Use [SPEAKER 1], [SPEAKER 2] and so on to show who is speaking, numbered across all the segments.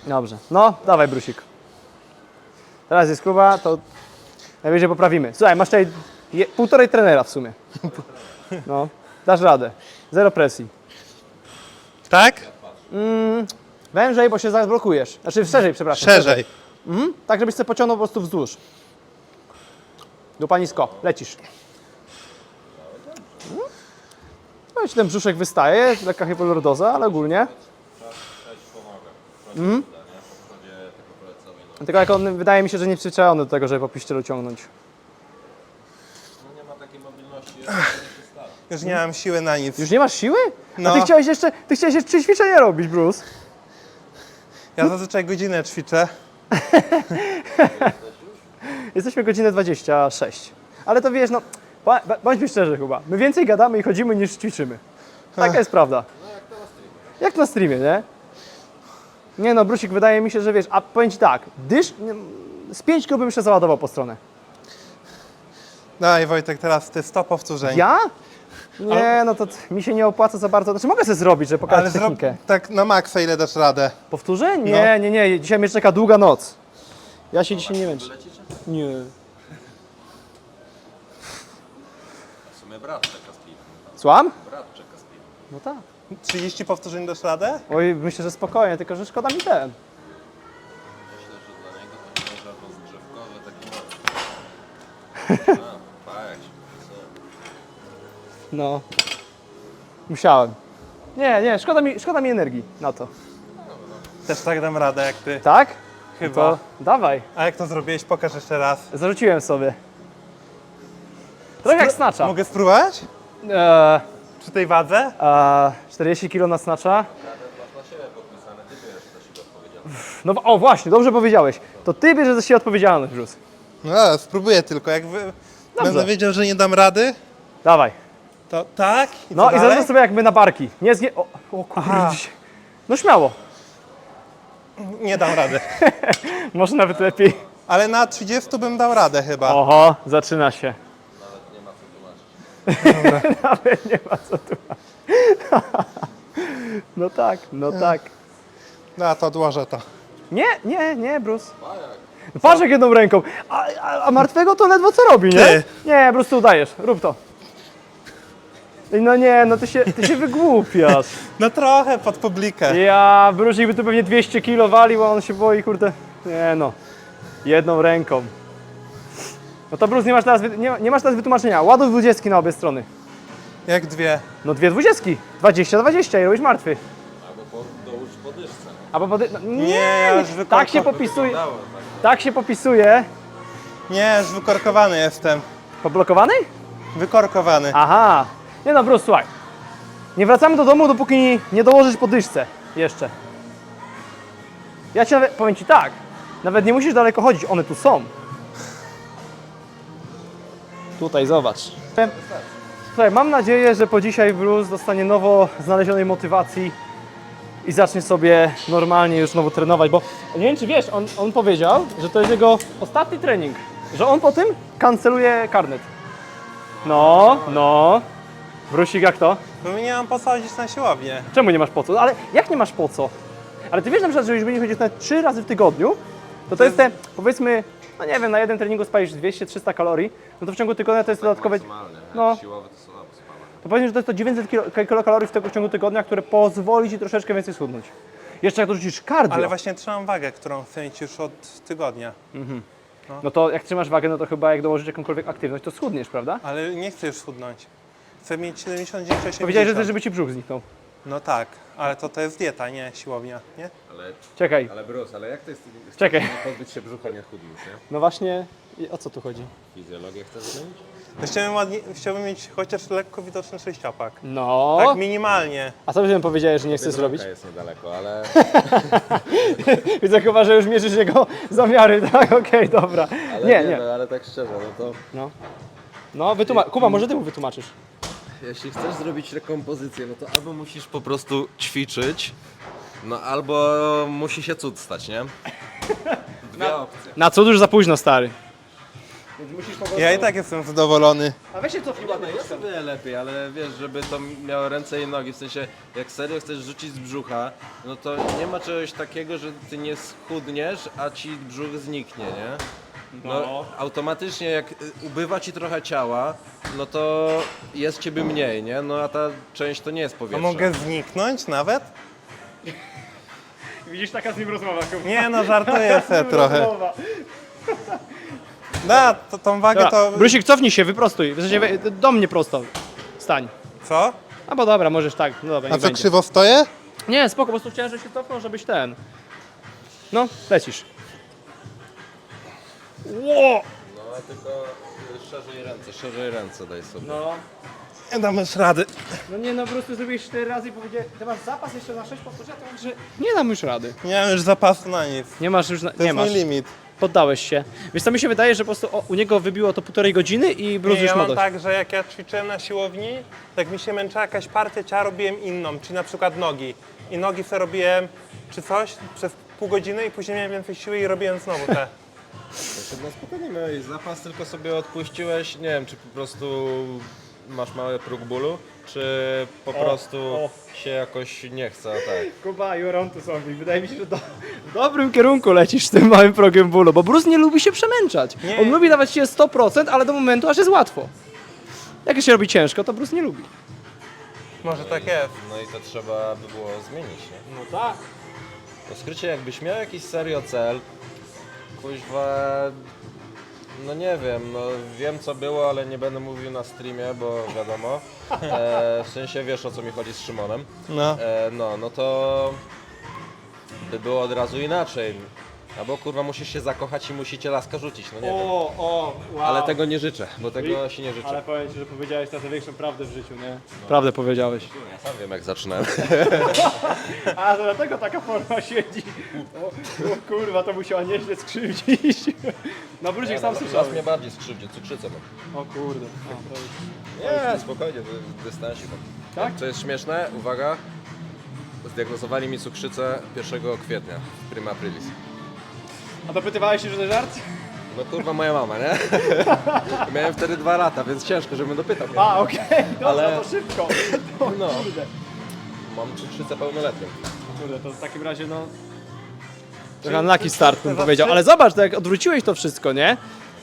[SPEAKER 1] Dobrze. No, dawaj brusik. Teraz jest Kuba, to najwyżej poprawimy. Słuchaj, masz tutaj półtorej trenera w sumie. No, dasz radę. Zero presji.
[SPEAKER 2] Tak?
[SPEAKER 1] Wężej, bo się zablokujesz. Znaczy szerzej, przepraszam.
[SPEAKER 2] Szerzej.
[SPEAKER 1] Tak, żebyś sobie pociągnął po prostu wzdłuż. Dupa nisko, lecisz. No i ten brzuszek wystaje, lekka hipoliordoza, ale ogólnie. Tylko jak on, wydaje mi się, że nie przyzwyczajony do tego, żeby po piszczelu ciągnąć.
[SPEAKER 3] No nie ma takiej mobilności.
[SPEAKER 2] Już nie mam siły na nic.
[SPEAKER 1] Już nie masz siły?
[SPEAKER 2] No.
[SPEAKER 1] A ty chciałeś jeszcze 3 ćwiczenia robić, Bruce.
[SPEAKER 2] Ja zazwyczaj godzinę ćwiczę.
[SPEAKER 1] Jesteśmy godzinę 26. Ale to wiesz, no, bądźmy szczerzy chyba. My więcej gadamy i chodzimy niż ćwiczymy. Taka jest prawda. Jak to na streamie, nie? Nie no, Brusik, wydaje mi się, że wiesz, a powiem Ci tak, z 5 kg bym jeszcze załadował po stronę.
[SPEAKER 2] Daj Wojtek, teraz ty 100 powtórzeń.
[SPEAKER 1] Ja? Nie, no to mi się nie opłaca za bardzo. Znaczy mogę sobie zrobić, żeby pokazać
[SPEAKER 2] Ale zrób
[SPEAKER 1] technikę.
[SPEAKER 2] tak na maksa, ile dasz radę.
[SPEAKER 1] Powtórzę? Nie,
[SPEAKER 2] No.
[SPEAKER 1] nie. Dzisiaj mnie czeka długa noc. Ja się dzisiaj nie męczę. Nie.
[SPEAKER 3] W sumie brat czeka z piwem.
[SPEAKER 1] Słucham?
[SPEAKER 3] Brat czeka z piwem.
[SPEAKER 1] No tak.
[SPEAKER 2] 30 powtórzeń dasz radę?
[SPEAKER 1] Oj, myślę, że spokojnie, tylko że szkoda mi ten.
[SPEAKER 3] Myślę, że dla niego to nie może rozgrzewkowy taki mocny. Tak, jak się popisuje.
[SPEAKER 1] No. Musiałem. Nie, szkoda mi energii na to.
[SPEAKER 2] Też tak dam radę jak ty.
[SPEAKER 1] Tak?
[SPEAKER 2] Chyba.
[SPEAKER 1] No to dawaj.
[SPEAKER 2] A jak to zrobiłeś? Pokaż jeszcze raz.
[SPEAKER 1] Zarzuciłem sobie. Trochę jak snacza.
[SPEAKER 2] Mogę spróbować? Przy tej wadze?
[SPEAKER 1] 40 kg na snacza.
[SPEAKER 3] Masz na siebie podpisane, ty bierzesz za siebie odpowiedzialność.
[SPEAKER 1] No o właśnie, dobrze powiedziałeś. To ty bierzesz za siebie odpowiedzialność, Bruce.
[SPEAKER 2] No, spróbuję tylko. Jak będę wiedział, że nie dam rady,
[SPEAKER 1] Dawaj.
[SPEAKER 2] to tak. I
[SPEAKER 1] No
[SPEAKER 2] co
[SPEAKER 1] i
[SPEAKER 2] dalej?
[SPEAKER 1] zaraz sobie jakby na barki. Nie zgie... O kurde.
[SPEAKER 2] Aha.
[SPEAKER 1] dzisiaj. No śmiało.
[SPEAKER 2] Nie dam rady.
[SPEAKER 1] Może nawet lepiej.
[SPEAKER 2] Ale na 30 bym dał radę chyba.
[SPEAKER 1] Oho, zaczyna się.
[SPEAKER 3] Nawet nie ma co tłumaczyć.
[SPEAKER 1] Nawet nie ma co tu. No tak.
[SPEAKER 2] No to odłożę to.
[SPEAKER 1] Nie, Bruce. Patrz jak jedną ręką. A martwego to ledwo co robi, nie?
[SPEAKER 2] Ty.
[SPEAKER 1] Nie, Bruce, tu udajesz. Rób to. No nie, no ty się wygłupiasz.
[SPEAKER 2] No trochę pod publikę.
[SPEAKER 1] Ja, Brusik by tu pewnie 200 kg walił, a on się boi, kurde. Nie no, jedną ręką. No to Bruce, nie masz teraz wytłumaczenia. Ładuj 20 na obie strony.
[SPEAKER 2] Jak dwie.
[SPEAKER 1] No 2 20. 20 i robisz martwy.
[SPEAKER 3] Albo dołóż podyszce.
[SPEAKER 1] Albo no,
[SPEAKER 2] Nie, ja już
[SPEAKER 1] tak się
[SPEAKER 2] wykorkowany.
[SPEAKER 1] popisuje.
[SPEAKER 3] Dało tak.
[SPEAKER 1] Tak się popisuje.
[SPEAKER 2] Nie, już wykorkowany jestem.
[SPEAKER 1] Poblokowany?
[SPEAKER 2] Wykorkowany.
[SPEAKER 1] Aha. Nie no, Bruce, słuchaj. Nie wracamy do domu, dopóki nie dołożysz podyszce. Jeszcze. Ja ci nawet, powiem Ci tak. Nawet nie musisz daleko chodzić, one tu są. Tutaj, zobacz. Słuchaj, mam nadzieję, że po dzisiaj Bruce dostanie nowo znalezionej motywacji i zacznie sobie normalnie już znowu trenować, bo nie wiem, czy wiesz, on powiedział, że to jest jego ostatni trening, że on po tym kanceluje karnet. No. Brusik, jak to?
[SPEAKER 2] Bo nie mam po co chodzić na siłownię.
[SPEAKER 1] Czemu nie masz po co? Ale jak nie masz po co? Ale ty wiesz na przykład, że jeżeli chodzisz nawet 3 razy w tygodniu, to jest te, powiedzmy, no nie wiem, na jeden treningu spalisz 200-300 kalorii, no to w ciągu tygodnia to jest dodatkowe,
[SPEAKER 3] Maksymalnie.
[SPEAKER 1] no.
[SPEAKER 3] Siłowe to słabo spala.
[SPEAKER 1] to powiedzmy, że to jest to 900 kilokalorii w ciągu tygodnia, które pozwoli Ci troszeczkę więcej schudnąć. Jeszcze jak dorzucisz cardio,
[SPEAKER 2] Ale właśnie trzymam wagę, którą chcę mieć już od tygodnia.
[SPEAKER 1] no to jak trzymasz wagę, no to chyba jak dołożysz jakąkolwiek aktywność, to schudniesz, prawda?
[SPEAKER 2] Ale nie chcę już schudnąć. Chcę mieć 79, 80.
[SPEAKER 1] Powiedziałeś, że chcesz, żeby Ci brzuch zniknął.
[SPEAKER 2] No tak, ale to jest dieta, nie siłownia, nie?
[SPEAKER 1] Czekaj,
[SPEAKER 3] Ale Bruce, ale jak to jest?
[SPEAKER 1] Czekaj.
[SPEAKER 3] Nie pozbyć się brzucha, nie chudnąć, nie?
[SPEAKER 1] no właśnie, o co tu chodzi?
[SPEAKER 3] Fizjologię chcesz zmienić?
[SPEAKER 2] Chciałbym mieć chociaż lekko widoczny sześciopak.
[SPEAKER 1] No,
[SPEAKER 2] Tak minimalnie.
[SPEAKER 1] a co byś powiedziałeś, że nie chcesz zrobić?
[SPEAKER 3] Biedronka jest niedaleko, ale
[SPEAKER 1] Widzę chyba, że już mierzysz jego zamiary, tak? Okej, dobra. Nie.
[SPEAKER 3] No, ale tak szczerze, no to
[SPEAKER 1] No, Kuba, może Ty mu wytłumaczysz.
[SPEAKER 3] jeśli chcesz zrobić rekompozycję, no to albo musisz po prostu ćwiczyć, no albo musi się cud stać, nie? Dwie opcje.
[SPEAKER 1] Na cud już za późno, stary. Więc musisz po prostu...
[SPEAKER 2] Ja i tak jestem zadowolony.
[SPEAKER 1] A weź się cofnij ładnie.
[SPEAKER 3] Jest o wiele lepiej, ale wiesz, żeby to miało ręce i nogi, w sensie jak serio chcesz rzucić z brzucha, no to nie ma czegoś takiego, że ty nie schudniesz, a ci brzuch zniknie, nie? No, automatycznie jak ubywa ci trochę ciała, no to jest ciebie mniej, nie? No a ta część to nie jest
[SPEAKER 2] A
[SPEAKER 3] powietrze.
[SPEAKER 2] mogę zniknąć nawet?
[SPEAKER 1] Widzisz, taka z nim rozmowa.
[SPEAKER 2] Nie no, żartuję sobie trochę. Da, to tą wagę to...
[SPEAKER 1] Brusik, cofnij się, wyprostuj. W sensie, do mnie prosto. Stań.
[SPEAKER 2] Co?
[SPEAKER 1] A bo dobra, możesz tak. No dobra,
[SPEAKER 2] A
[SPEAKER 1] nie
[SPEAKER 2] co,
[SPEAKER 1] będzie.
[SPEAKER 2] krzywo stoję?
[SPEAKER 1] Nie, spoko, po prostu chciałem, żebyś się cofnął, żebyś ten. No, lecisz. Ło!
[SPEAKER 3] No tylko szerzej ręce daj sobie.
[SPEAKER 1] No.
[SPEAKER 2] Nie dam już rady.
[SPEAKER 1] No nie no, po prostu zrobiłeś 4 razy i powiedziałeś, ty masz zapas jeszcze na 6 powtórzeń, to znaczy, że nie dam już rady.
[SPEAKER 2] Nie mam już zapasu na nic.
[SPEAKER 1] Nie masz już,
[SPEAKER 2] To
[SPEAKER 1] nie
[SPEAKER 2] jest
[SPEAKER 1] masz.
[SPEAKER 2] mój limit.
[SPEAKER 1] Poddałeś się. Wiesz co, mi się wydaje, że po prostu u niego wybiło to 1,5 godziny i Bruce
[SPEAKER 2] Nie,
[SPEAKER 1] już
[SPEAKER 2] ja
[SPEAKER 1] ma
[SPEAKER 2] mam
[SPEAKER 1] dość.
[SPEAKER 2] tak, że jak ja ćwiczyłem na siłowni, jak mi się męczyła jakaś partia ciała, robiłem inną, czyli na przykład nogi. I nogi sobie robiłem czy coś przez pół godziny i później miałem więcej siły i robiłem znowu te.
[SPEAKER 3] No spokojnie miałeś zapas, tylko sobie odpuściłeś, nie wiem, czy po prostu masz mały próg bólu, czy po prostu się jakoś nie chce, a tak.
[SPEAKER 1] Kuba, you're on to something. Wydaje mi się, że w dobrym kierunku lecisz z tym małym progiem bólu, bo Bruce nie lubi się przemęczać.
[SPEAKER 2] Nie.
[SPEAKER 1] On lubi dawać się 100%, ale do momentu, aż jest łatwo. Jak się robi ciężko, to Bruce nie lubi.
[SPEAKER 2] Może tak jest.
[SPEAKER 3] No i to trzeba by było zmienić, nie?
[SPEAKER 1] No tak.
[SPEAKER 3] W skrócie, jakbyś miał jakiś serio cel, kuźwa, no nie wiem, no wiem co było, ale nie będę mówił na streamie, bo wiadomo, w sensie wiesz o co mi chodzi z Szymonem,
[SPEAKER 2] No.
[SPEAKER 3] no to by było od razu inaczej, albo kurwa musisz się zakochać i musicie laska rzucić, no nie wiem,
[SPEAKER 1] wow.
[SPEAKER 3] ale tego nie życzę, bo tego się nie życzę.
[SPEAKER 1] Ale powiem ci, że powiedziałeś teraz największą prawdę w życiu, nie? Prawdę powiedziałeś.
[SPEAKER 3] Ja sam wiem jak zaczynałem.
[SPEAKER 1] A, to dlatego taka forma siedzi. O kurwa, to musiała nieźle skrzywdzić. No Brusik sam
[SPEAKER 3] Teraz
[SPEAKER 1] słyszał.
[SPEAKER 3] mnie bardziej skrzywdzi, cukrzycę mam.
[SPEAKER 1] O kurde. A, to już...
[SPEAKER 3] Nie, spokojnie, w dystansie mam.
[SPEAKER 1] Tak?
[SPEAKER 3] Co jest śmieszne, uwaga, zdiagnozowali mi cukrzycę 1 kwietnia, prima aprilis.
[SPEAKER 1] A dopytywałeś się, że to żart?
[SPEAKER 3] No kurwa moja mama, nie? Miałem wtedy 2 lata, więc ciężko, żebym dopytał. Nie?
[SPEAKER 1] A, okej, dobra,
[SPEAKER 3] Ale-
[SPEAKER 1] to szybko. O,
[SPEAKER 3] No.
[SPEAKER 1] kurde.
[SPEAKER 3] Mam cukrzycę pełnoletnią.
[SPEAKER 1] Kurde, to w takim razie no... Trochę unlucky start bym powiedział, ale zobacz, to jak odwróciłeś to wszystko, nie?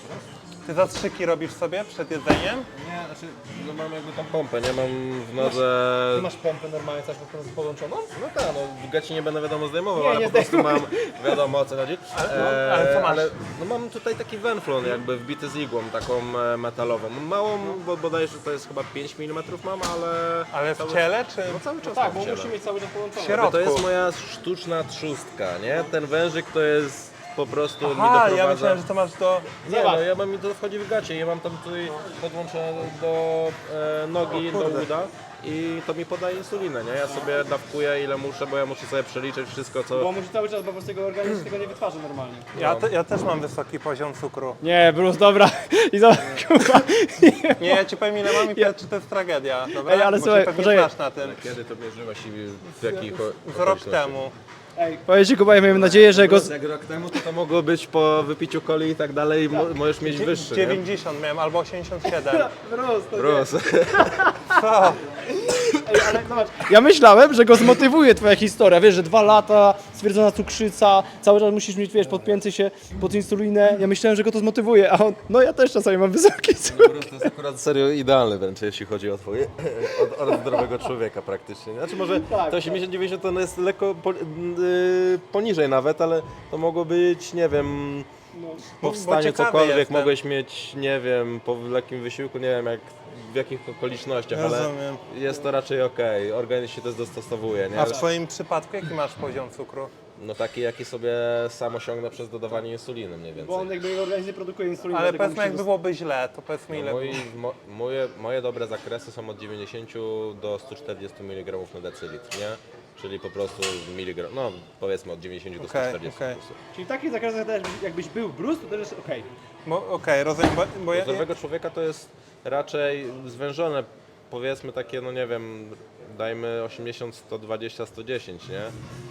[SPEAKER 2] Ty zastrzyki robisz sobie przed jedzeniem?
[SPEAKER 3] Nie, znaczy, no mam jakby tam pompę, nie? Mam w nodze...
[SPEAKER 1] Ty masz pompę normalnie coś po prostu podłączoną?
[SPEAKER 3] No tak, no w gaci nie będę wiadomo zdejmował,
[SPEAKER 1] Nie,
[SPEAKER 3] ale
[SPEAKER 1] nie
[SPEAKER 3] po prostu mam, wiadomo o co chodzi.
[SPEAKER 2] ale co masz?
[SPEAKER 3] No mam tutaj taki wenflon jakby wbity z igłą, taką metalową. Małą, bo bodajże to jest chyba 5 mm mam, ale...
[SPEAKER 2] Ale w ciele czy
[SPEAKER 3] No cały czas
[SPEAKER 1] Tak,
[SPEAKER 3] mam
[SPEAKER 1] bo
[SPEAKER 3] w ciele.
[SPEAKER 1] musi mieć cały czas połączone.
[SPEAKER 2] w środku?
[SPEAKER 3] To jest moja sztuczna trzustka, nie? Ten wężyk to jest po prostu mi
[SPEAKER 2] Aha,
[SPEAKER 3] doprowadza...
[SPEAKER 2] ja myślałem, że to masz do...
[SPEAKER 3] Nie, no ja mam mi to wchodzi w gacie, ja mam tam tutaj podłączone do nogi, do uda i to mi podaje insulinę, nie? Ja sobie dawkuję ile muszę, bo ja muszę sobie przeliczyć wszystko co...
[SPEAKER 1] Bo musi cały czas, bo po prostu jego organizm tego nie wytwarza normalnie.
[SPEAKER 2] Ja też mam wysoki poziom cukru.
[SPEAKER 1] Nie, Bruce, dobra. I zobacz, kurwa.
[SPEAKER 2] Nie, ja ci powiem ile mam i powiedz, czy to jest tragedia, dobra?
[SPEAKER 1] Ej, ale
[SPEAKER 2] Bo
[SPEAKER 1] słuchaj,
[SPEAKER 2] się pewnie
[SPEAKER 1] poczekaj.
[SPEAKER 2] znasz na tym.
[SPEAKER 3] Kiedy to mierzyłaś i w jakich
[SPEAKER 2] Z rok
[SPEAKER 3] okolicznościach?
[SPEAKER 2] temu.
[SPEAKER 1] Ej, powiedz ci, Kuba, ja miałem nadzieję, że go...
[SPEAKER 3] Jak rok temu to mogło być po wypiciu coli i tak dalej, możesz mieć wyższy, nie?
[SPEAKER 2] 90 miałem albo 87.
[SPEAKER 1] Bruce, to nie.
[SPEAKER 3] Bruce.
[SPEAKER 2] Co?
[SPEAKER 1] Ej, ale zobacz, ja myślałem, że go zmotywuje twoja historia, wiesz, że 2 lata, stwierdzona cukrzyca, cały czas musisz mieć, wiesz, podpięty się pod insulinę. Ja myślałem, że go to zmotywuje, a on, no ja też czasami mam wysoki cukier.
[SPEAKER 3] Bruce to jest akurat serio idealny wręcz, jeśli chodzi o twoje, od zdrowego człowieka praktycznie. Znaczy może
[SPEAKER 1] Tak,
[SPEAKER 3] to 80-90 to jest lekko poniżej nawet, ale to mogło być, nie wiem, po wstaniu
[SPEAKER 2] ciekawy
[SPEAKER 3] cokolwiek,
[SPEAKER 2] jestem.
[SPEAKER 3] mogłeś mieć, nie wiem, po lekkim wysiłku, nie wiem jak, w jakich okolicznościach, ale
[SPEAKER 2] Rozumiem.
[SPEAKER 3] jest to raczej okej, organizm się też dostosowuje, nie?
[SPEAKER 2] A w twoim przypadku jaki masz poziom cukru?
[SPEAKER 3] No taki, jaki sobie sam osiągnę przez dodawanie insuliny mniej więcej.
[SPEAKER 1] Bo on jakby jego organizm nie produkuje insuliny.
[SPEAKER 2] Ale
[SPEAKER 1] dlatego
[SPEAKER 2] powiedzmy
[SPEAKER 1] musi
[SPEAKER 2] jak byłoby źle, to powiedzmy ile
[SPEAKER 3] Moje dobre zakresy są od 90 do 140 mg na decylitr, nie? Czyli po prostu miligram, no powiedzmy od 90 do 140
[SPEAKER 2] okej.
[SPEAKER 3] po prostu.
[SPEAKER 1] Czyli w takich zakresach też, jakbyś był Bruce, to też jest okej.
[SPEAKER 2] Okej, rozumiem, bo
[SPEAKER 3] U
[SPEAKER 2] ja...
[SPEAKER 3] zdrowego człowieka to jest raczej zwężone, powiedzmy takie, no nie wiem, dajmy 80, 120, 110, nie?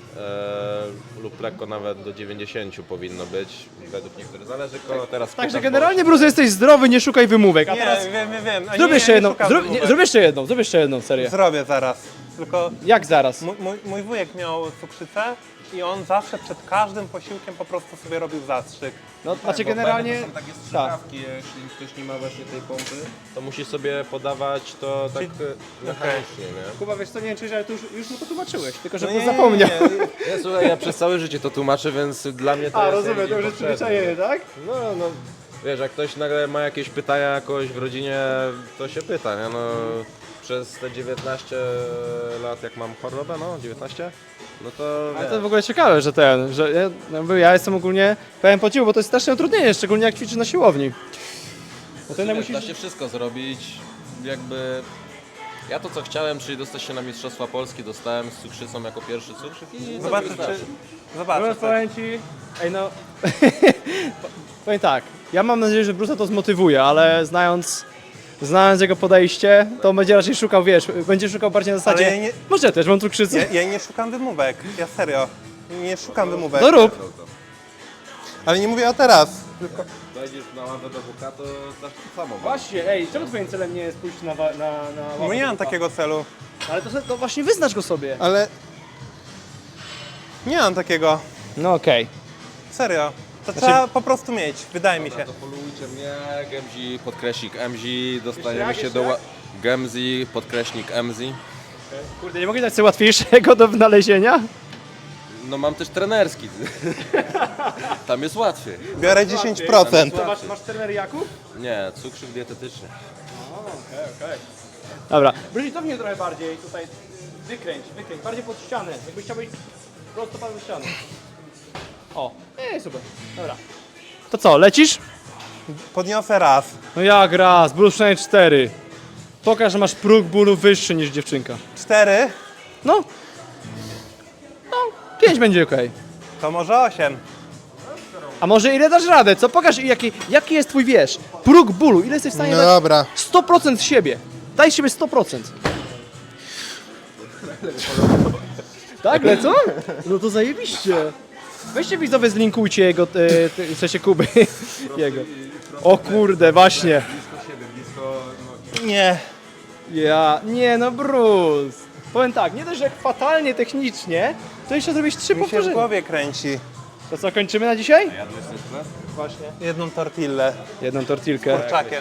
[SPEAKER 3] Lub lekko nawet do 90 powinno być, według niektórych. Zależy kogo teraz
[SPEAKER 1] Także
[SPEAKER 3] pytasz,
[SPEAKER 1] generalnie, Bruce, jesteś zdrowy, nie szukaj wymówek. A
[SPEAKER 2] Nie,
[SPEAKER 1] teraz
[SPEAKER 2] wiem. A
[SPEAKER 1] zrób
[SPEAKER 2] nie,
[SPEAKER 1] jeszcze
[SPEAKER 2] nie
[SPEAKER 1] jedną,
[SPEAKER 2] szukam wymówek.
[SPEAKER 1] zrób jeszcze jedną serię.
[SPEAKER 2] Zrobię zaraz. Tylko
[SPEAKER 1] Jak zaraz?
[SPEAKER 2] mój wujek miał cukrzycę i on zawsze przed każdym posiłkiem po prostu sobie robił zastrzyk.
[SPEAKER 1] No, znaczy
[SPEAKER 3] Bo
[SPEAKER 1] generalnie...
[SPEAKER 3] to są takie strzykawki, jeśli ktoś nie ma właśnie tej pompy, to musi sobie podawać to tak mechanicznie, nie?
[SPEAKER 1] Kuba, wiesz co, nie wiem, czy ale tu już mu to tłumaczyłeś, tylko że
[SPEAKER 2] No
[SPEAKER 1] Bruce
[SPEAKER 2] nie,
[SPEAKER 1] zapomniał.
[SPEAKER 3] Nie, słuchaj, ja przez całe życie to tłumaczę, więc dla mnie to
[SPEAKER 1] A,
[SPEAKER 3] jest
[SPEAKER 1] rozumiem,
[SPEAKER 3] jakby
[SPEAKER 1] to już jest
[SPEAKER 3] potrzebne.
[SPEAKER 1] przyzwyczajenie, tak?
[SPEAKER 3] No, wiesz, jak ktoś nagle ma jakieś pytania jakoś w rodzinie, to się pyta, nie? No, przez te 19 lat, jak mam chorobę, no, 19, no to
[SPEAKER 1] Ale
[SPEAKER 3] wiesz,
[SPEAKER 1] to w ogóle ciekawe, że ja jestem ogólnie pełen podziwu, bo to jest straszne utrudnienie, szczególnie jak ćwiczysz na siłowni. Bo ty
[SPEAKER 3] wiesz,
[SPEAKER 1] musisz...
[SPEAKER 3] da się wszystko zrobić, jakby... Ja to co chciałem, czyli dostać się na Mistrzostwa Polski, dostałem z cukrzycą jako pierwszy cukrzyk i
[SPEAKER 2] Zobaczę,
[SPEAKER 1] Bruce, powiem ci... Ej no... powiem tak, ja mam nadzieję, że Bruce'a to zmotywuje, ale znając jego podejście, to będzie raczej szukał, wiesz, będzie szukał bardziej na zasadzie...
[SPEAKER 2] Ale ja nie-
[SPEAKER 1] Może też, mam cukrzycę.
[SPEAKER 2] Ja nie szukam wymówek, ja serio. Nie szukam wymówek.
[SPEAKER 1] No rób.
[SPEAKER 2] Ale nie mówię o teraz.
[SPEAKER 3] Dojdziesz na ławę do WK, to tak samo.
[SPEAKER 1] Właśnie, ej, czemu twoim celem nie jest pójść na
[SPEAKER 2] No nie mam takiego celu.
[SPEAKER 1] Ale to właśnie wyznacz go sobie.
[SPEAKER 2] Ale... Nie mam takiego.
[SPEAKER 1] No okej.
[SPEAKER 2] Serio. To trzeba po prostu mieć, wydaje mi się.
[SPEAKER 3] To followujcie mnie, Gemzi, podkreśnik MZ, dostaniemy
[SPEAKER 1] jak,
[SPEAKER 3] się
[SPEAKER 1] jeszcze
[SPEAKER 3] do...
[SPEAKER 1] jak?
[SPEAKER 3] Gemzi, podkreśnik MZ.
[SPEAKER 1] Kurde, nie mogę dać sobie łatwiejszego do wynalezienia?
[SPEAKER 3] No mam też trenerski. Tam jest łatwiej.
[SPEAKER 2] Biorę 10%.
[SPEAKER 1] To masz trener Jakub?
[SPEAKER 3] Nie, cukrzyk dietetyczny.
[SPEAKER 1] Okej. Dobra, Bruce, cofnij trochę bardziej, tutaj wykręć, bardziej pod ścianę, jakbyś chciał być prosto pod ścianę. O, super, dobra. To co, lecisz?
[SPEAKER 2] Podniosę raz.
[SPEAKER 1] No jak raz, Bruce przynajmniej 4. Pokaż, że masz próg bólu wyższy niż dziewczynka.
[SPEAKER 2] 4,
[SPEAKER 1] No. 5 będzie okej.
[SPEAKER 2] to może 8.
[SPEAKER 1] A może ile dasz radę, co? Pokaż jaki jest twój, wiesz, próg bólu, ile jesteś w stanie dać
[SPEAKER 2] dobra.
[SPEAKER 1] 100% z siebie. Daj z siebie 100%. Tak, lecą? No to zajebiście. Weźcie widzowie, zlinkujcie jego, w sensie Kuby, jego. O kurde, właśnie.
[SPEAKER 2] Nie.
[SPEAKER 1] Nie no Bruce. Powiem tak, nie dość, że fatalnie technicznie, to jeszcze zrobić 3
[SPEAKER 2] Mi się w
[SPEAKER 1] powtórzenia.
[SPEAKER 2] głowie kręci.
[SPEAKER 1] To co, kończymy na dzisiaj?
[SPEAKER 2] Właśnie. Jedną tortillę.
[SPEAKER 1] Jedną tortilkę.
[SPEAKER 2] Kurczakiem.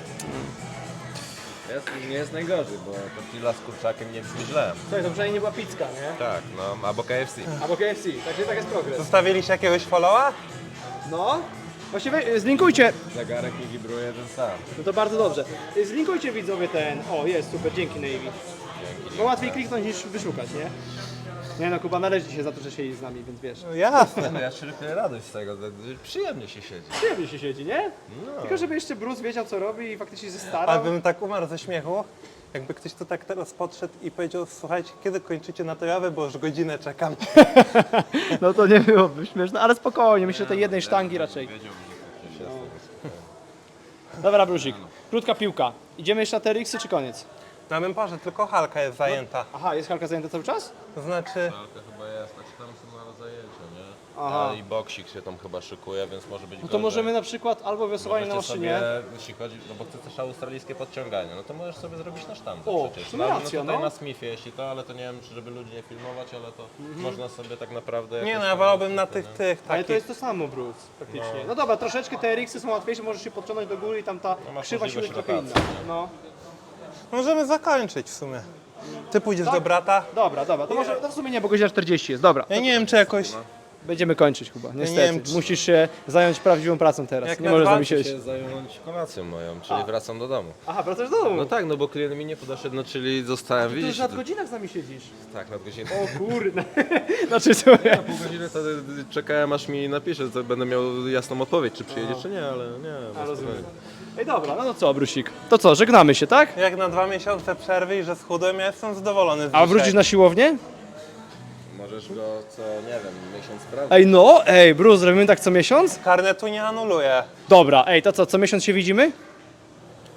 [SPEAKER 3] Nie jest najgorzej, bo tortilla z kurczakiem nie brzmi źle.
[SPEAKER 1] Słuchaj, to przynajmniej nie była pizka, nie?
[SPEAKER 3] Tak, no, albo KFC.
[SPEAKER 1] Albo KFC, także tak jest progres.
[SPEAKER 2] Zostawiliście jakiegoś followa?
[SPEAKER 1] No, właściwie zlinkujcie,
[SPEAKER 3] Zegarek nie wibruje ten sam.
[SPEAKER 1] no to bardzo dobrze. Zlinkujcie widzowie ten, o jest, super, dzięki Navy. Bo łatwiej kliknąć niż wyszukać, nie? Nie no, Kuba należy ci się za to, że siedzi z nami, więc wiesz.
[SPEAKER 2] No jasne.
[SPEAKER 3] No ja czerpię radość z tego, przyjemnie się siedzi.
[SPEAKER 1] Przyjemnie się siedzi, nie? Tylko żeby jeszcze Bruce wiedział co robi i faktycznie się starał.
[SPEAKER 2] Ale bym tak umarł ze śmiechu, jakby ktoś tu tak teraz podszedł i powiedział: słuchajcie, kiedy kończycie na tę jawę, bo już godzinę czekam.
[SPEAKER 1] No to nie byłoby śmieszne, ale spokojnie, myślę, że tej jednej sztangi raczej. Dobra, Brusik, krótka piłka. Idziemy jeszcze na te Rixy czy koniec?
[SPEAKER 2] Na Memporze tylko halka jest zajęta.
[SPEAKER 1] Aha, jest halka zajęta cały czas?
[SPEAKER 2] To znaczy,
[SPEAKER 3] To chyba jest, znaczy tam są na zajęcia, nie?
[SPEAKER 1] Aha.
[SPEAKER 3] I boksik się tam chyba szykuje, więc może być
[SPEAKER 1] No to
[SPEAKER 3] gorzej.
[SPEAKER 1] możemy na przykład albo wiosłowanie na
[SPEAKER 3] Możecie
[SPEAKER 1] maszynie.
[SPEAKER 3] sobie, jeśli chodzi, no bo ty też australijskie podciąganie, no to możesz sobie zrobić na sztandze
[SPEAKER 1] O,
[SPEAKER 3] przecież.
[SPEAKER 1] w sumie
[SPEAKER 3] No,
[SPEAKER 1] racja,
[SPEAKER 3] tutaj
[SPEAKER 1] no.
[SPEAKER 3] na Smithie, jeśli to, ale to nie wiem, czy żeby ludzi nie filmować, ale to można sobie tak naprawdę...
[SPEAKER 2] nie
[SPEAKER 3] jakoś
[SPEAKER 2] no, ja
[SPEAKER 3] tam
[SPEAKER 2] wolałbym na
[SPEAKER 3] niestety,
[SPEAKER 2] tych
[SPEAKER 1] Ale
[SPEAKER 2] takich.
[SPEAKER 1] to jest to samo, Bruce, praktycznie. No dobra, troszeczkę te RX-y są łatwiejsze, możesz się podciągnąć do góry i tam ta
[SPEAKER 3] masz
[SPEAKER 1] krzywa siły
[SPEAKER 3] możliwość
[SPEAKER 1] trochę inna.
[SPEAKER 3] rotacji,
[SPEAKER 1] No.
[SPEAKER 2] Możemy zakończyć w sumie. Ty pójdziesz do brata?
[SPEAKER 1] Dobra, to może to w sumie nie, bo godzina 40 jest, dobra.
[SPEAKER 2] Ja nie wiem, czy jakoś...
[SPEAKER 1] Będziemy kończyć chyba, niestety.
[SPEAKER 2] wiem, czy-
[SPEAKER 1] Musisz się zająć prawdziwą pracą teraz,
[SPEAKER 2] Jak
[SPEAKER 1] nie
[SPEAKER 2] na
[SPEAKER 1] możesz z nami
[SPEAKER 2] 20
[SPEAKER 1] siedzieć.
[SPEAKER 3] się zająć kolacją moją, czyli wracam do domu.
[SPEAKER 1] Aha, wracasz do domu.
[SPEAKER 3] No tak, no bo klient mi nie podeszedł, no czyli zostałem,
[SPEAKER 1] Ty już
[SPEAKER 3] widzisz,
[SPEAKER 1] nad godzinach z nami siedzisz.
[SPEAKER 3] tak, nad godzinę.
[SPEAKER 1] O kurde. Znaczy słuchaj.
[SPEAKER 3] Pół godziny to czekałem, aż mi napisze, to będę miał jasną odpowiedź, czy przyjedzie, czy nie, ale nie.
[SPEAKER 1] Rozumiem. Ej dobra, no to co, Brusik? To co, żegnamy się, tak?
[SPEAKER 2] Jak na 2 miesiące przerwy i że schudłem, ja jestem zadowolony z
[SPEAKER 1] A
[SPEAKER 2] dzisiaj.
[SPEAKER 1] wrócisz na siłownię?
[SPEAKER 3] Możesz go co, nie wiem, miesiąc sprawdzić.
[SPEAKER 1] Ej no, Bruce, robimy tak co miesiąc?
[SPEAKER 2] Karnetu nie anuluję.
[SPEAKER 1] Dobra, to co miesiąc się widzimy?
[SPEAKER 3] Co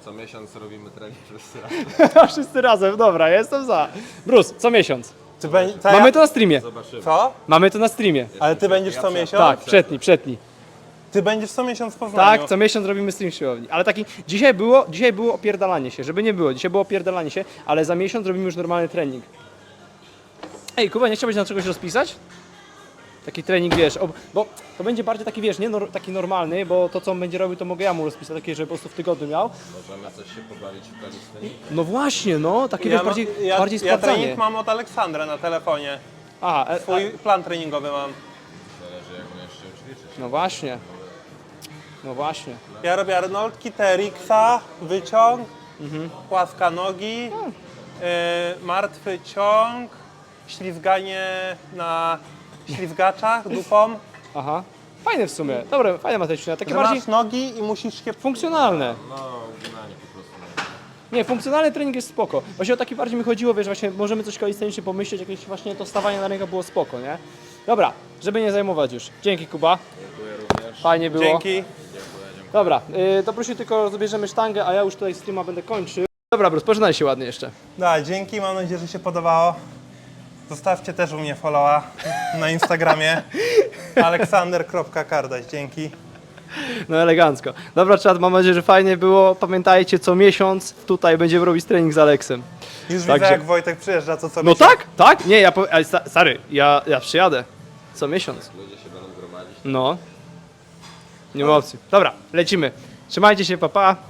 [SPEAKER 3] Co miesiąc robimy trening wszyscy razem.
[SPEAKER 1] Wszyscy razem, dobra, jestem za. Bruce, co miesiąc. Mamy to na streamie.
[SPEAKER 3] Zobaczymy.
[SPEAKER 2] Co?
[SPEAKER 1] Mamy to na streamie.
[SPEAKER 2] Ale ty będziesz co miesiąc?
[SPEAKER 1] Tak, przetnij.
[SPEAKER 2] Ty będziesz co miesiąc w Poznaniu.
[SPEAKER 1] Tak, co miesiąc robimy stream siłowni. Ale taki, dzisiaj było opierdalanie się, żeby nie było. Dzisiaj było opierdalanie się, ale za miesiąc robimy już normalny trening. Ej, Kuba, nie chciałbyś na czegoś rozpisać? Taki trening, wiesz, bo to będzie bardziej taki, wiesz, nie taki normalny, bo to, co on będzie robił, to mogę ja mu rozpisać, takie, żeby po prostu w tygodniu miał.
[SPEAKER 3] Możemy coś się pobawić w kalistenie?
[SPEAKER 1] No właśnie, no, takie, wiesz, bardziej
[SPEAKER 2] ja
[SPEAKER 1] sprawdzanie.
[SPEAKER 2] trening mam od Aleksandra na telefonie.
[SPEAKER 1] Aha,
[SPEAKER 2] Twój plan treningowy mam.
[SPEAKER 3] Zależy jak umiesz się ćwiczyć.
[SPEAKER 1] no właśnie. No właśnie.
[SPEAKER 2] Ja robię Arnoldki, TRX-a, wyciąg, płaska nogi, martwy ciąg, ślizganie na ślizgaczach dupą.
[SPEAKER 1] Aha. Fajne w sumie. Dobre, fajne ma te ćwiczenia. Takie
[SPEAKER 2] Że
[SPEAKER 1] bardziej
[SPEAKER 2] masz nogi i musisz się...
[SPEAKER 1] funkcjonalne.
[SPEAKER 3] No, uginanie po prostu.
[SPEAKER 1] Nie, funkcjonalny trening jest spoko. Właśnie o taki bardziej mi chodziło, wiesz, właśnie możemy coś kalistenicznie pomyśleć, jakieś właśnie to stawanie na rękę było spoko, nie? Dobra, żeby nie zajmować już. Dzięki, Kuba.
[SPEAKER 3] Dziękuję również.
[SPEAKER 1] Fajnie było.
[SPEAKER 2] Dzięki.
[SPEAKER 1] Dobra, to proszę tylko zabierzemy sztangę, a ja już tutaj streama będę kończył. Dobra, Bruce, pożegnaj się ładnie jeszcze.
[SPEAKER 2] Da, dzięki, mam nadzieję, że się podobało. Zostawcie też u mnie followa na Instagramie aleksander.kardaś, dzięki.
[SPEAKER 1] No elegancko. Dobra, czat, mam nadzieję, że fajnie było. Pamiętajcie, co miesiąc tutaj będziemy robić trening z Aleksem.
[SPEAKER 2] Już
[SPEAKER 1] Także-
[SPEAKER 2] widzę, jak Wojtek przyjeżdża, co
[SPEAKER 1] No
[SPEAKER 2] miesiąc.
[SPEAKER 1] tak? Nie, ale stary, ja przyjadę. Co miesiąc.
[SPEAKER 3] Ludzie się będą gromadzić.
[SPEAKER 1] No. Nie ma opcji. Dobra, lecimy. Trzymajcie się, pa pa.